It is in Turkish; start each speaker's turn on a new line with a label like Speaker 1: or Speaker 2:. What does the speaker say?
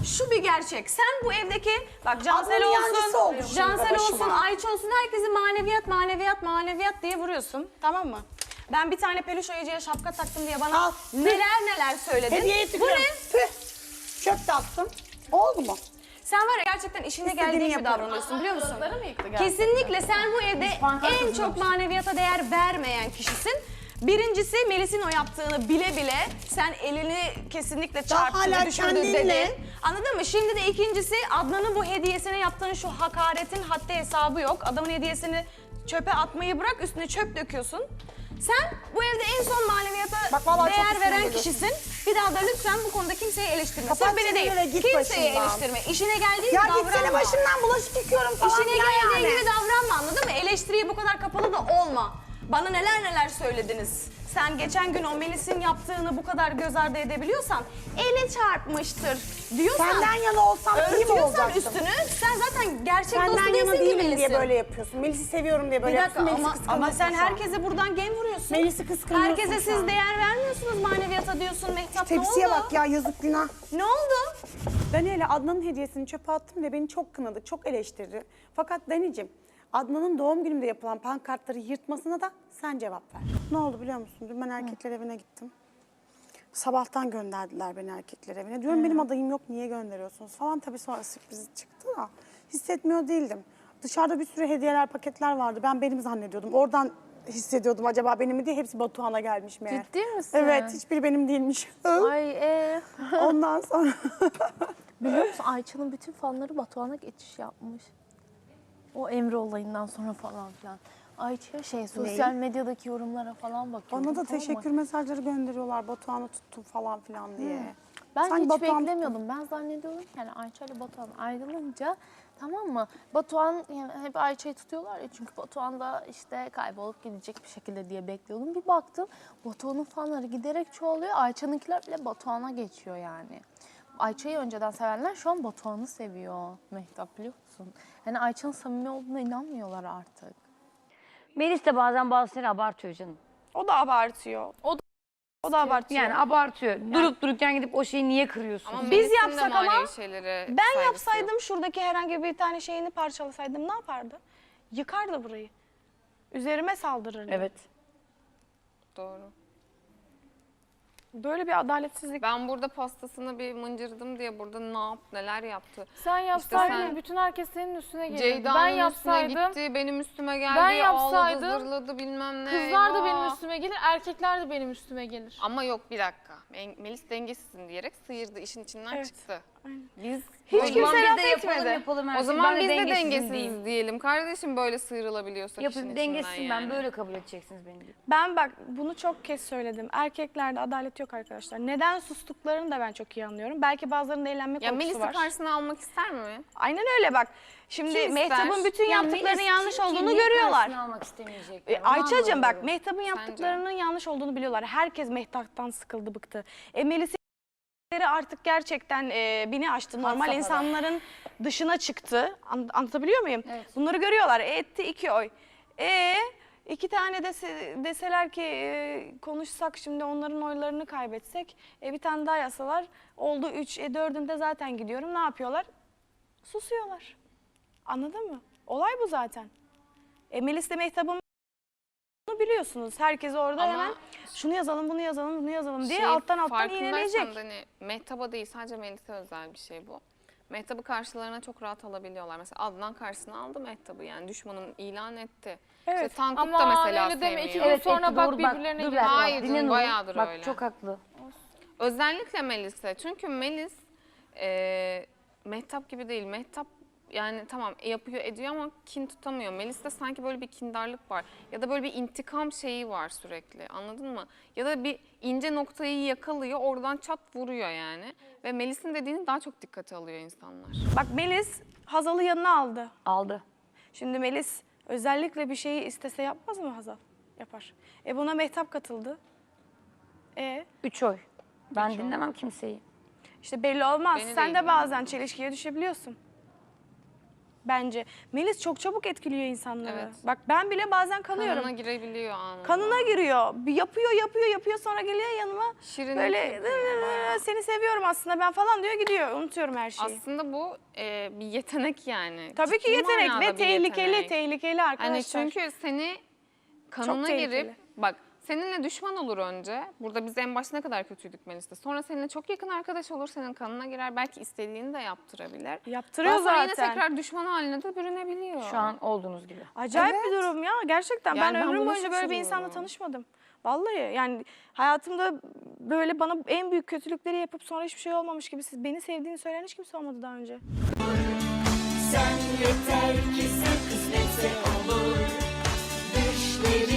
Speaker 1: şu bir gerçek. Sen bu evdeki bak Cansel
Speaker 2: Ablanın yancısı oldu
Speaker 1: olsun,
Speaker 2: şimdi
Speaker 1: Cansel olsun,
Speaker 2: başıma.
Speaker 1: Ayça olsun herkesi maneviyat, maneviyat, maneviyat diye vuruyorsun. Tamam mı? Ben bir tane peluş ayıcıya şapka taktım diye bana
Speaker 2: Al.
Speaker 1: neler söyledin.
Speaker 2: Hediyeyi
Speaker 1: Bu
Speaker 2: tıkıyorum.
Speaker 1: ne?
Speaker 2: Tüh. Çöp de attım. Oldu mu?
Speaker 1: Sen var ya gerçekten işine
Speaker 2: İstediğini
Speaker 1: geldiği gibi
Speaker 2: yaparım.
Speaker 1: davranıyorsun biliyor musun?
Speaker 3: Mı yıktı gerçekten?
Speaker 1: Kesinlikle sen bu evde en çok maneviyata değer vermeyen kişisin. Birincisi Melis'in o yaptığını bile bile sen elini kesinlikle çarptı
Speaker 2: hala
Speaker 1: ve düşürdü
Speaker 2: kendinle.
Speaker 1: dedin. Anladın mı? Şimdi de ikincisi Adnan'ın bu hediyesine yaptığın şu hakaretin haddi hesabı yok. Adamın hediyesini çöpe atmayı bırak üstüne çöp döküyorsun. Sen bu evde en son maneviyata
Speaker 2: Bak vallahi çok
Speaker 1: değer
Speaker 2: üstüne
Speaker 1: veren
Speaker 2: geliyorsun.
Speaker 1: kişisin. Bir daha da lütfen bu konuda kimseyi eleştirme.
Speaker 2: Kapat
Speaker 1: Sırf beni
Speaker 2: çeneni
Speaker 1: değil.
Speaker 2: ve git
Speaker 1: Kimseyi
Speaker 2: başımdan.
Speaker 1: eleştirme. İşine geldiği
Speaker 2: Ya
Speaker 1: gibi davranma.
Speaker 2: gitsene başımdan, bulaşık yıkıyorum falan.
Speaker 1: İşine
Speaker 2: filan
Speaker 1: geldiği
Speaker 2: yani.
Speaker 1: gibi davranma anladın mı? Eleştiriye bu kadar kapalı da olma. Bana neler söylediniz. Sen geçen gün o Melis'in yaptığını bu kadar göz ardı edebiliyorsan eli çarpmıştır diyorsan
Speaker 2: Senden yana olsam iyi mi
Speaker 1: örtüyorsan
Speaker 2: olacaktım?
Speaker 1: üstünü sen zaten gerçek dostu
Speaker 2: Senden yana
Speaker 1: değilsin ki
Speaker 2: değilim
Speaker 1: Melis'in.
Speaker 2: diye böyle yapıyorsun. Melis'i seviyorum diye böyle
Speaker 1: Bir dakika
Speaker 2: yapıyorsun. Melis'i
Speaker 1: ama
Speaker 2: kıskanıyorsun
Speaker 1: sen
Speaker 2: şu an.
Speaker 1: herkese buradan gem vuruyorsun.
Speaker 2: Melis'i kıskanıyorsun
Speaker 1: Herkese
Speaker 2: şu
Speaker 1: siz
Speaker 2: an.
Speaker 1: değer vermiyorsunuz maneviyata diyorsun Mehtap ne oldu?
Speaker 2: Tepsiye bak ya, yazık günah.
Speaker 1: Ne oldu?
Speaker 4: Daniel'e Adnan'ın hediyesini çöpe attım ve beni çok kınadı, çok eleştirdi. Fakat Dani'cim, Adnan'ın doğum günümde yapılan pankartları yırtmasına da sen cevap ver. Ne oldu biliyor musun? Dün ben erkekler evine gittim. Sabahtan gönderdiler beni erkekler evine. Diyorum benim adayım yok, niye gönderiyorsunuz falan. Tabii sonra sürpriz çıktı da hissetmiyor değildim. Dışarıda bir sürü hediyeler, paketler vardı. Ben benim zannediyordum. Oradan hissediyordum acaba benim mi diye. Hepsi Batuhan'a gelmiş meğer.
Speaker 3: Ciddi misin?
Speaker 4: Evet, hiçbiri benim değilmiş.
Speaker 3: Ay
Speaker 4: Ondan sonra...
Speaker 3: biliyor musun Ayça'nın bütün fanları Batuhan'a geçiş yapmış. O Emre olayından sonra falan filan. Ayça sosyal medyadaki yorumlara falan bakıyor.
Speaker 4: Bana da teşekkür mesajları gönderiyorlar. Batuhan'ı tuttum falan filan diye.
Speaker 3: Ben
Speaker 4: Sanki
Speaker 3: hiç
Speaker 4: Batuhan
Speaker 3: beklemiyordum. Ben zannediyordum ki yani Ayça ile Batuhan ayrılınca tamam mı? Batuhan yani hep Ayça'yı tutuyorlar ya çünkü Batuhan da işte kaybolup gidecek bir şekilde diye bekliyordum. Bir baktım Batuhan'ın fanları giderek çoğalıyor. Ayça'nınkiler bile Batuhan'a geçiyor yani. Ayça'yı önceden sevenler şu an Batuhan'ı seviyor. Mehtap biliyor musun? Yani Ayça'nın samimi olduğuna inanmıyorlar artık.
Speaker 5: Melis de bazen bazıları abartıyor canım.
Speaker 1: O da abartıyor. O da abartıyor.
Speaker 5: Yani abartıyor. Durup dururken gidip o şeyi niye kırıyorsun?
Speaker 6: Ama
Speaker 1: Biz
Speaker 6: Melis'in de
Speaker 1: yapsak ama
Speaker 6: manevi şeylere
Speaker 1: ben
Speaker 6: saygısı
Speaker 1: yapsaydım
Speaker 6: yok.
Speaker 1: şuradaki herhangi bir tane şeyini parçalasaydım ne yapardı? Yıkardı burayı. Üzerime saldırırdı.
Speaker 5: Evet.
Speaker 6: Doğru.
Speaker 1: Böyle bir adaletsizlik.
Speaker 6: Ben burada pastasını bir mıncırdım diye burada neler yaptı.
Speaker 7: Sen yapsaydın
Speaker 6: sen-
Speaker 7: bütün herkes senin üstüne gelirdi. Ben
Speaker 6: Ceyda'nın üstüne
Speaker 7: yapsaydım,
Speaker 6: gitti, benim üstüme geldi,
Speaker 7: Ben yapsaydım,
Speaker 6: ağladı, zırladı bilmem ne.
Speaker 7: kızlar da benim
Speaker 6: eyvah.
Speaker 7: üstüme gelir, erkekler de benim üstüme gelir.
Speaker 6: Ama yok bir dakika. Melis dengesizsin diyerek sıyırdı, işin içinden
Speaker 1: Evet.
Speaker 6: çıktı. Biz
Speaker 1: Hiç
Speaker 5: O zaman
Speaker 1: kimse
Speaker 5: biz
Speaker 1: laf
Speaker 5: de yapalım
Speaker 1: etmedi.
Speaker 5: yapalım her
Speaker 6: o
Speaker 5: şeyi.
Speaker 6: zaman
Speaker 5: Ben de
Speaker 6: biz de
Speaker 5: dengesizim
Speaker 6: dengesiz
Speaker 5: diyeyim.
Speaker 6: diyelim. Kardeşim böyle sıyrılabiliyorsak işin
Speaker 5: Yapın
Speaker 6: içinden
Speaker 5: dengesizim
Speaker 6: yani.
Speaker 5: ben böyle kabul edeceksiniz beni.
Speaker 1: Ben bak bunu çok kez söyledim. Erkeklerde adalet yok arkadaşlar. Neden sustuklarını da ben çok iyi anlıyorum. Belki bazılarında eğlenme
Speaker 6: Ya
Speaker 1: korkusu
Speaker 6: Melis'i
Speaker 1: var.
Speaker 6: karşısına almak ister mi?
Speaker 1: Aynen öyle bak. Şimdi
Speaker 6: Kim
Speaker 1: Mehtap'ın
Speaker 6: ister?
Speaker 1: bütün yaptıklarının yanlış olduğunu görüyorlar.
Speaker 5: Karşısına almak istemeyecekler. Onu
Speaker 1: Ayça'cığım bak
Speaker 5: anlamıyorum.
Speaker 1: Mehtap'ın yaptıklarının yanlış olduğunu biliyorlar. Herkes Mehtap'tan sıkıldı, bıktı. Melis'in artık gerçekten bini aştı. Normal
Speaker 5: safhada.
Speaker 1: insanların dışına çıktı. Anlatabiliyor muyum?
Speaker 5: Evet.
Speaker 1: Bunları görüyorlar. Etti 2 oy. İki tane deseler ki konuşsak şimdi onların oylarını kaybetsek. Bir tane daha yasalar. Oldu 3. 4'ünde zaten gidiyorum. Ne yapıyorlar? Susuyorlar. Anladın mı? Olay bu zaten. Melis de Mehtap'ın bunu biliyorsunuz. Herkes orada
Speaker 6: Ama
Speaker 1: hemen şunu yazalım, bunu yazalım, bunu yazalım diye
Speaker 6: Şey,
Speaker 1: alttan
Speaker 6: farkındaysan
Speaker 1: iğneleyecek.
Speaker 6: da hani Mehtap'a değil sadece Melis'e özel bir şey bu. Mehtap'ı karşılarına çok rahat alabiliyorlar. Mesela Adnan karşısına aldı Mehtap'ı yani düşmanım ilan etti.
Speaker 1: Evet.
Speaker 6: İşte Tankut
Speaker 7: Ama
Speaker 6: da mesela
Speaker 7: öyle deme,
Speaker 6: sevmiyor.
Speaker 7: iki gün sonra
Speaker 5: etti,
Speaker 7: bak
Speaker 5: doğru,
Speaker 7: birbirlerine
Speaker 5: dur
Speaker 7: giriyor.
Speaker 5: biraz,
Speaker 6: Hayır
Speaker 5: dinle
Speaker 6: canım,
Speaker 5: Nur'u.
Speaker 6: bayağıdır
Speaker 5: Bak,
Speaker 6: öyle.
Speaker 5: çok haklı.
Speaker 6: Özellikle Melis'e. Çünkü Melis Mehtap gibi değil. Mehtap yani tamam yapıyor ediyor ama kin tutamıyor. Melis'te sanki böyle bir kindarlık var. Ya da böyle bir intikam şeyi var sürekli. Anladın mı? Ya da bir ince noktayı yakalıyor oradan çat vuruyor yani. Ve Melis'in dediğini daha çok dikkate alıyor insanlar.
Speaker 1: Bak Melis Hazal'ı yanına aldı.
Speaker 5: Aldı.
Speaker 1: Şimdi Melis özellikle bir şeyi istese yapmaz mı Hazal? Yapar. Buna Mehtap katıldı.
Speaker 5: 3 oy. Ben dinlemem kimseyi.
Speaker 1: İşte belli olmaz.
Speaker 6: Beni de
Speaker 1: Sen de
Speaker 6: ilgilendirmez.
Speaker 1: bazen çelişkiye düşebiliyorsun. bence. Melis çok çabuk etkiliyor insanları.
Speaker 6: Evet.
Speaker 1: Bak ben bile bazen kanıyorum.
Speaker 6: Kanına girebiliyor anında.
Speaker 1: Kanına giriyor. Bir yapıyor sonra geliyor yanıma.
Speaker 6: Şirinlik
Speaker 1: Böyle
Speaker 6: yapıyor bayağı.
Speaker 1: seni seviyorum aslında ben falan diyor gidiyor. Unutuyorum her şeyi.
Speaker 6: Aslında bu bir yetenek yani.
Speaker 1: Tabii ki
Speaker 6: Ciddi
Speaker 1: yetenek
Speaker 6: manada
Speaker 1: ve
Speaker 6: bir
Speaker 1: tehlikeli
Speaker 6: yetenek.
Speaker 1: arkadaşlar.
Speaker 6: Hani çünkü seni kanına
Speaker 1: tehlikeli.
Speaker 6: girip bak seninle düşman olur önce. Burada biz en başta ne kadar kötüydük Melis'te. Sonra seninle çok yakın arkadaş olur, senin kanına girer. Belki istediğini de yaptırabilir.
Speaker 1: Yaptırıyor
Speaker 6: Daha sonra yine
Speaker 1: zaten.
Speaker 6: tekrar düşman haline de bürünebiliyor.
Speaker 5: Şu an olduğunuz gibi.
Speaker 1: Acayip bir durum ya gerçekten.
Speaker 6: Yani
Speaker 1: ben
Speaker 6: ben
Speaker 1: ömrüm
Speaker 6: buna
Speaker 1: boyunca böyle bir insanla
Speaker 6: şaşırıyorum.
Speaker 1: tanışmadım. Vallahi yani hayatımda böyle bana en büyük kötülükleri yapıp sonra hiçbir şey olmamış gibi siz beni sevdiğini söyleyen hiç kimse olmadı daha önce.
Speaker 8: Sen yeter ki sen kısmetse olur. Düşlerin